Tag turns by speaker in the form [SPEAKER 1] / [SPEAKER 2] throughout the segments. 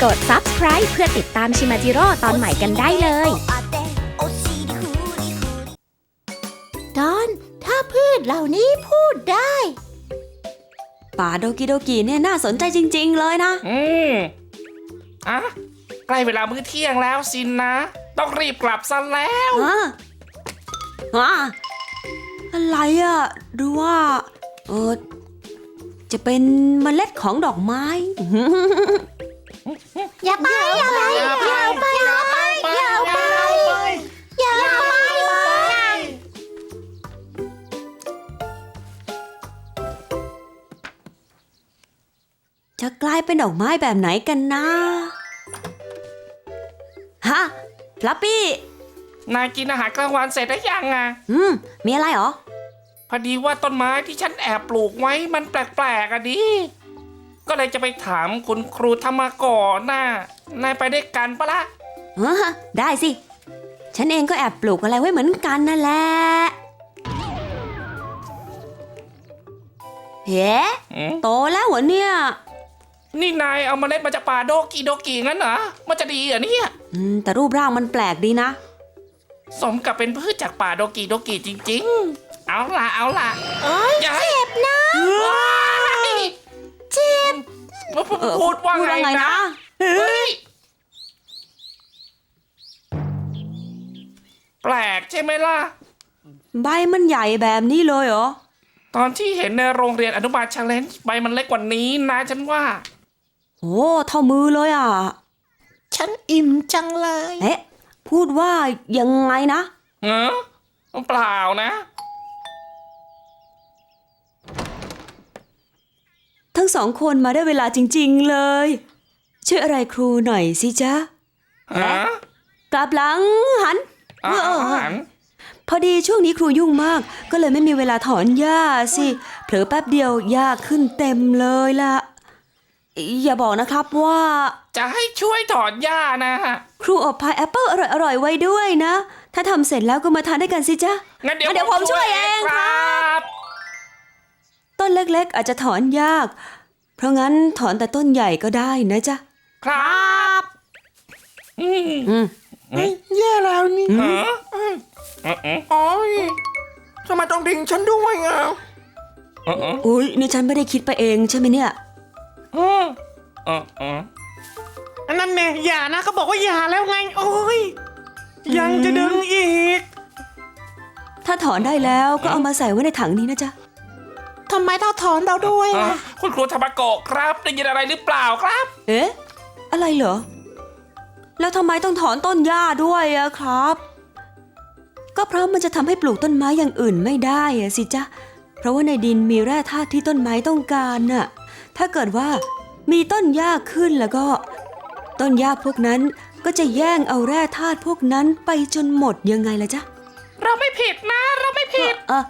[SPEAKER 1] กด Subscribe เพื่อติดตามชิมาจิโร่ตอนใหม่กันได้เลย
[SPEAKER 2] ตอนถ้าพืชเหล่านี้พูดได้
[SPEAKER 3] ป่าโดกิโดกิเนี่ยน่าสนใจจริงๆเลยนะ
[SPEAKER 4] อ่ะใกล้เวลามื้อเที่ยงแล้วสินนะต้องรีบกลับซะแล้ว
[SPEAKER 3] อะไรอ่ะดูว่าจะเป็นเมล็ดของดอกไม้
[SPEAKER 2] อย่าไปอย่าไปอย่าไปอย่าไปอย่าไปอย่าไป
[SPEAKER 3] จะกลายเป็นดอกไม้แบบไหนกันนะฮะฟลัปปี้
[SPEAKER 4] นายกินอาหารกลางวันเสร็จหรือยังอ่ะ
[SPEAKER 3] มีอะไรหรอ
[SPEAKER 4] พอดีว่าต้นไม้ที่ฉันแอบปลูกไว้มันแปลกๆอ่ะดิก็เลยจะไปถามคุณครูธรรมกรน่ะนายไปได้กันปะล่ะ
[SPEAKER 3] ได้สิฉันเองก็แอบปลูกอะไรไว้เหมือนกันนั่นแหละเฮ้โตแล้วเหรอเนี่ย
[SPEAKER 4] นี่นายเอาเมล็ดมาจากป่าโดกิงั้นเหรอมันจะดีเหรอเนี่ย
[SPEAKER 3] แต่รูปร่างมันแปลกดีนะ
[SPEAKER 4] สมกับเป็นพืชจากป่าโดกิจริงๆเอาล่ะ
[SPEAKER 2] เจ็บนะเจ็บ
[SPEAKER 4] พูดว่าไงนะเฮ้ยแปลกใช่ไหมล่ะ
[SPEAKER 3] ใบมันใหญ่แบบนี้เลยเหรอ
[SPEAKER 4] ตอนที่เห็นในโรงเรียนอนุบาล Challenge ใบมันเล็กกว่านี้นะฉันว่า
[SPEAKER 3] โอ้เท่ามือเลยอ่ะ
[SPEAKER 2] ฉันอิ่มจังเลย
[SPEAKER 3] พูดว่ายังไงนะ
[SPEAKER 4] เปล่านะ
[SPEAKER 3] ทั้งสองคนมาได้เวลาจริงๆเลยช่วยอะไรครูหน่อยสิจ๊ะกลับหลังหันพอดีช่วงนี้ครูยุ่งมากก็เลยไม่มีเวลาถอนหญ้าสิเผลอแป๊บเดียวหญ้าขึ้นเต็มเลยล่ะอย่าบอกนะครับว่า
[SPEAKER 4] จะให้ช่วยถอนหญ้านะ
[SPEAKER 3] ครูอบพายแอปเปิ้ลอร่อยๆไว้ด้วยนะถ้าทำเสร็จแล้วก็มาทานด้วยกันสิจ๊ะ
[SPEAKER 4] งั้นเดี๋ยวผมช่วยเองครับ
[SPEAKER 3] ต้นเล็กๆอาจจะถอนยากเพราะงั้นถอนแต่ต้นใหญ่ก็ได้นะจ๊ะ
[SPEAKER 4] ครับ
[SPEAKER 2] แย่แล้วนี่โอ๊ยทำไมต้องทิ้งฉันด้วยอ่ะ
[SPEAKER 3] อุ๊ยนี่ฉันไม่ได้คิดไปเองใช่ไหมเนี่ย
[SPEAKER 2] อันนั้นเนี่ยอย่านะเขาบอกว่าอย่าแล้วไงโอ๊ยยังจะดึงอีก
[SPEAKER 3] ถ้าถอนได้แล้วก็เอามาใส่ไว้ในถังนี้นะจ๊ะ
[SPEAKER 2] ทำไมต้องถอนเราด้วยล่ะ
[SPEAKER 4] คุณครูธรรมโกะครับได้ยินอะไรหรือเปล่าครับ
[SPEAKER 3] อะไรเหรอแล้วทำไมต้องถอนต้นหญ้าด้วยอะครับก็เพราะมันจะทำให้ปลูกต้นไม้อย่างอื่นไม่ได้อะสิจ๊ะเพราะว่าในดินมีแร่ธาตุที่ต้นไม้ต้องการน่ะถ้าเกิดว่ามีต้นหญ้าขึ้นแล้วก็ต้นหญ้าพวกนั้นก็จะแย่งเอาแร่ธาตุพวกนั้นไปจนหมดยังไงล่ะจ๊ะ
[SPEAKER 4] เราไม่ผิดนะเราไม่ผิด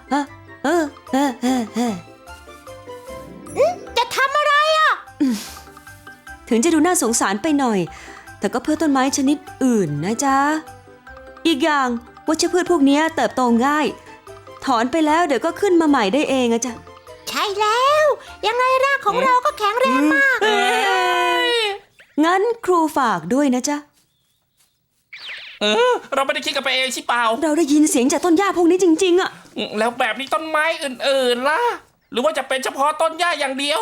[SPEAKER 2] จะทำอะไรอ่ะ
[SPEAKER 3] ถึงจะดูน่าสงสารไปหน่อยแต่ก็เพื่อต้นไม้ชนิดอื่นนะจ๊ะอีกอย่างวัชพืชพวกนี้เติบโตง่ายถอนไปแล้วเดี๋ยวก็ขึ้นมาใหม่ได้เองอะจ๊ะ
[SPEAKER 2] ใช่แล้วยังไงรากของเราก็แข็งแรงมาก
[SPEAKER 3] งั้นครูฝากด้วยนะจ๊ะ
[SPEAKER 4] เราไม่ได้คิดกันไปเองใช่เปล่า
[SPEAKER 3] เราได้ยินเสียงจากต้นหญ้าพวกนี้จริงๆอะ
[SPEAKER 4] แล้วแบบนี้ต้นไม้อื่นๆล่ะหรือว่าจะเป็นเฉพาะต้นหญ้าอย่างเดียว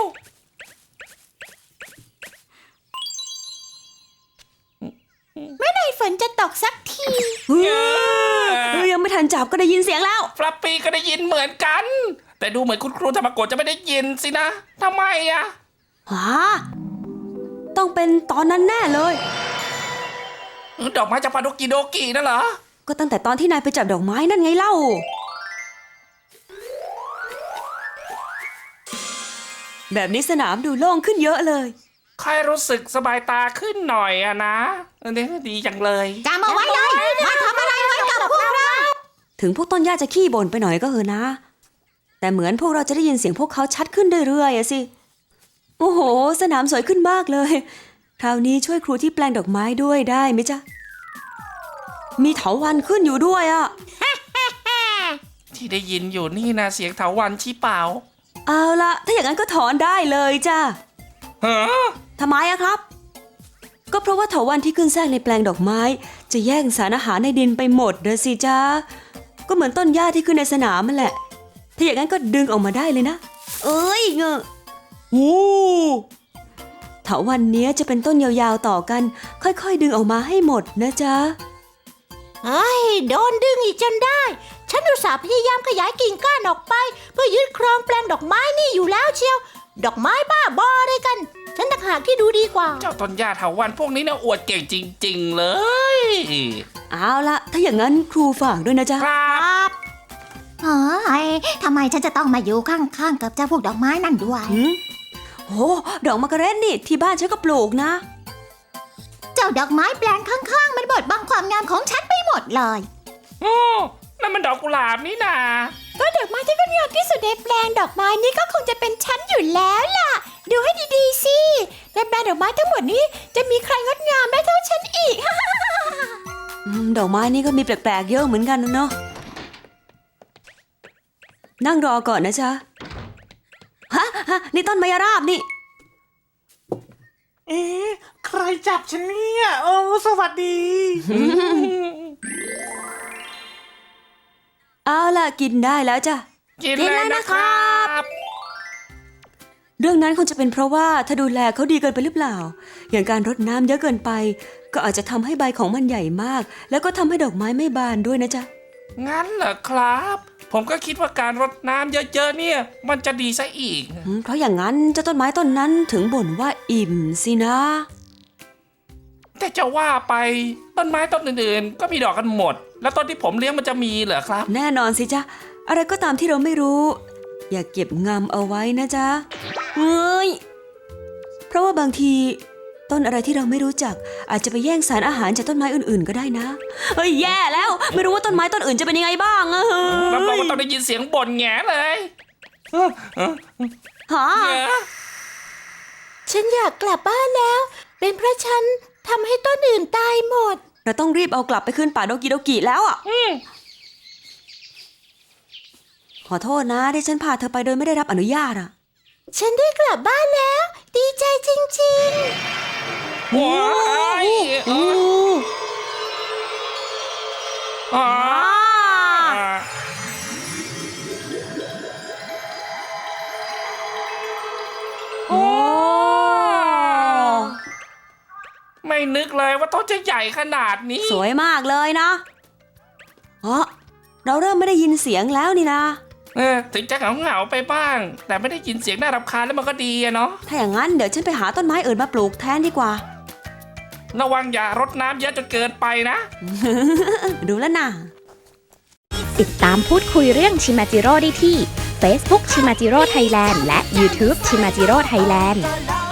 [SPEAKER 2] เมื่อไหร่ฝนจะตกสักที
[SPEAKER 3] ยังไม่ทันจับก็ได้ยินเสียงแล้ว
[SPEAKER 4] ฟลัปปี้ก็ได้ยินเหมือนกันแต่ดูเหมือนคุณครูธรรมโกะจะไม่ได้ยินสินะทำไมอะ
[SPEAKER 3] ต้องเป็นตอนนั้นแน่เลย
[SPEAKER 4] ดอกไม้จากป่าโดกินั่นเหรอ
[SPEAKER 3] ก็ตั้งแต่ตอนที่นายไปจับดอกไม้นั่นไงเล่าแบบนี้สนามดูโล่งขึ้นเยอะเลย
[SPEAKER 4] ใครรู้สึกสบายตาขึ้นหน่อยอะนะนี่ดีจังเลย
[SPEAKER 2] จำเอาไว้เลยมาทำอะไรไว้กับพวกเรา
[SPEAKER 3] ถึงพวกต้นหญ้าจะขี้บ่นไปหน่อยก็เถอะนะแต่เหมือนพวกเราจะได้ยินเสียงพวกเขาชัดขึ้นเรื่อยๆอะสิโอ้โหสนามสวยขึ้นมากเลยคราวนี้ช่วยครูที่แปลงดอกไม้ด้วยได้ไหมจ๊ะมีเถาวัลย์ขึ้นอยู่ด้วยอะ
[SPEAKER 4] ที่ได้ยินอยู่นี่นะเสียงเถาวัลย์ชี้เปล่า
[SPEAKER 3] เอาละถ้าอย่างนั้นก็ถอนได้เลยจ้ะ
[SPEAKER 4] ท
[SPEAKER 3] ำไมอะครับก็เพราะว่าเถาวัลย์ที่ขึ้นแทรกในแปลงดอกไม้ จะแย่งสารอาหารในดินไปหมดนะสิจ๊ะก็เหมือนต้นหญ้าที่ขึ้นในสนามมันแหละถ้าอย่างนั้นก็ดึงออกมาได้เลยนะเอ้ยเงอะโอ้เถาวัลย์เนี้ยจะเป็นต้นยาวๆต่อกัน ค่อยๆดึงออกมาให้หมดนะจ๊ะ
[SPEAKER 5] เฮ้ยโดนดึงอีกจนได้ ฉันอุตส่าห์พยายามขยายกิ่งก้านออกไป เพื่อยึดครองแปลงดอกไม้นี่อยู่แล้วเชียว ดอกไม้บ้าบออะไรกัน ฉันต่างหากที่ดูดีกว่า
[SPEAKER 4] เจ้าต้นหญ้าเถาวัลย์พวกนี้เนี่ยอวดเก่งจริงๆเลย
[SPEAKER 3] เอาละถ้าอย่างนั้นครูฝากด้วยนะจ๊ะ
[SPEAKER 4] ครับ
[SPEAKER 5] เฮ้ยทำไมฉันจะต้องมาอยู่ข้างๆกับเจ้าพวกดอกไม้นั่นด้วย
[SPEAKER 3] โอ้ดอกมะกะเร็ดนี่ที่บ้านฉันก็ปลูกนะ
[SPEAKER 5] เจ้าดอกไม้แปลงข้างๆ มันบดบังความงามของฉันไปหมดเลย
[SPEAKER 4] โอ้นั่นมันดอกกุหลาบนี่นา
[SPEAKER 5] ก็ดอกไม้ที่งดงามที่สุดในแปลงดอกไม้นี้ก็คงจะเป็นฉันอยู่แล้วล่ะ ดูให้ดีๆสิในแปลงดอกไม้ทั้งหมดนี้จะมีใครงดงามได้เท่าฉันอีก
[SPEAKER 3] ดอกไม้นี่ก็มีแปลกๆเยอะเหมือนกันนะเนาะนั่งรอก่อนนะจ๊ะฮะนี่ต้นมะยราบนี่
[SPEAKER 2] เอ๊ะใครจับฉันเนี่ยโอ้สวัสดี
[SPEAKER 3] เอาล่ะกินได้แล้วจ้ะ
[SPEAKER 4] กินเลยนะครับ
[SPEAKER 3] เรื่องนั้นคงจะเป็นเพราะว่าถ้าดูแลเขาดีเกินไปหรือเปล่า อย่างการรดน้ำเยอะเกินไป ก็อาจจะทำให้ใบของมันใหญ่มาก แล้วก็ทำให้ดอกไม้ไม่บานด้วยนะจ๊ะ
[SPEAKER 4] งั้นเหรอครับ ผมก็คิดว่าการรดน้ำเยอะๆเนี่ย มันจะดีซะอีก
[SPEAKER 3] เพราะอย่างนั้นเจ้าต้นไม้ต้นนั้นถึงบ่นว่าอิ่มสินะ
[SPEAKER 4] แต่จะว่าไปต้นไม้ต้นอื่นๆ ก็มีดอกกันหมด แล้วต้นที่ผมเลี้ยงมันจะมีเหรอครับ
[SPEAKER 3] แน่นอนสิจ๊ะอะไรก็ตามที่เราไม่รู้ อย่าเก็บงำเอาไว้นะจ๊ะเฮ้ยเพราะว่าบางทีต้นอะไรที่เราไม่รู้จัก อาจจะไปแย่งสารอาหารจากต้นไม้อื่นๆก็ได้นะเฮ้ยแย่แล้วไม่รู้ว่าต้นไม้ต้นอื่นจะเป็นยังไงบ้างอะ
[SPEAKER 4] รับรองว่าต้องได้ยินเสียงบ่นแง่เลย
[SPEAKER 3] ฮะ
[SPEAKER 5] ฉันอยากกลับบ้านแล้ว เป็นเพราะฉันทำให้ต้นอื่นตายหมด
[SPEAKER 3] เราต้องรีบเอากลับไปขึ้นป่าโดกิโดกิแล้วอ่ะขอโทษนะที่ฉันพาเธอไปโดยไม่ได้รับอนุญาตอ่ะ
[SPEAKER 5] ฉันได้กลับบ้านแล้ว ดีใจจริง
[SPEAKER 4] ว้ายอ๋อ
[SPEAKER 3] โอ้
[SPEAKER 4] ไม่นึกเลยว่าต้นจะใหญ่ขนาดนี้
[SPEAKER 3] สวยมากเลยนะเราเริ่มไม่ได้ยินเสียงแล้วนี่นะ
[SPEAKER 4] ถึงจะเหงาๆไปบ้าง แต่ไม่ได้ยินเสียงน่ารำคาญแล้วมันก็ดีอะเนาะ
[SPEAKER 3] ถ้าอย่างนั้นเดี๋ยวฉันไปหาต้นไม้อื่นมาปลูกแทนดีกว่า
[SPEAKER 4] ระวังอย่ารดน้ำเยอะจนเกินไปนะ
[SPEAKER 3] ดูแล้วนะ
[SPEAKER 1] ติดตามพูดคุยเรื่องชิมาจิโร่ได้ที่ Facebook ชิมาจิโร่ไทยแลนด์และ YouTube ชิมาจิโร่ไทยแลนด์
[SPEAKER 5] ๆ